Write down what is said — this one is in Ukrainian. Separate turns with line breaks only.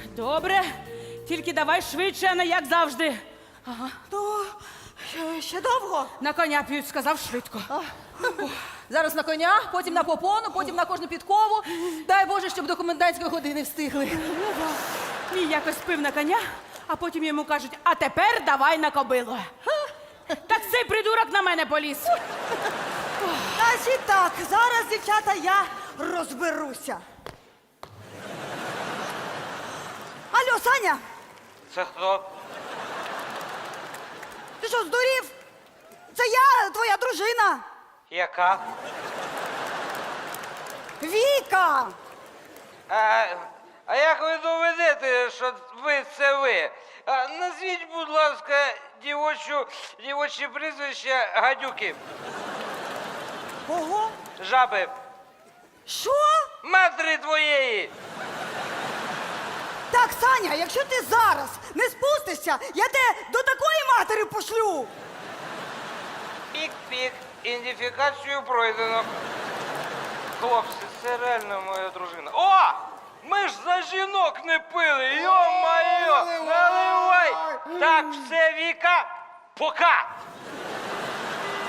Добре, тільки давай швидше, а не як завжди.
То ще довго?
На коня п'ють, сказав швидко.
Зараз на коня, потім на попону, потім на кожну підкову. Дай Боже, щоб до комендантської години встигли.
Мій якось пив на коня, а потім йому кажуть, а тепер давай на кобилу. Так цей придурок на мене поліз.
Значить так, зараз, дівчата, я розберуся. Алло, Саня,
Це хто?
ти що, здурів? Це я, твоя дружина.
Яка?
Віка!
А як ви доведете, що ви це ви? Назвіть, будь ласка, дівоче прізвище гадюки.
Ого!
Жаби.
Що?
Матері твоєї.
Так, Саня, якщо ти зараз не спустишся, я тебе до такої матері пошлю.
Пік-пік. Ідентифікацію пройдено. Хлопці, це реально моя дружина. О! Ми ж за жінок не пили, йо-майо! Наливай! Так, все, Віка, пока!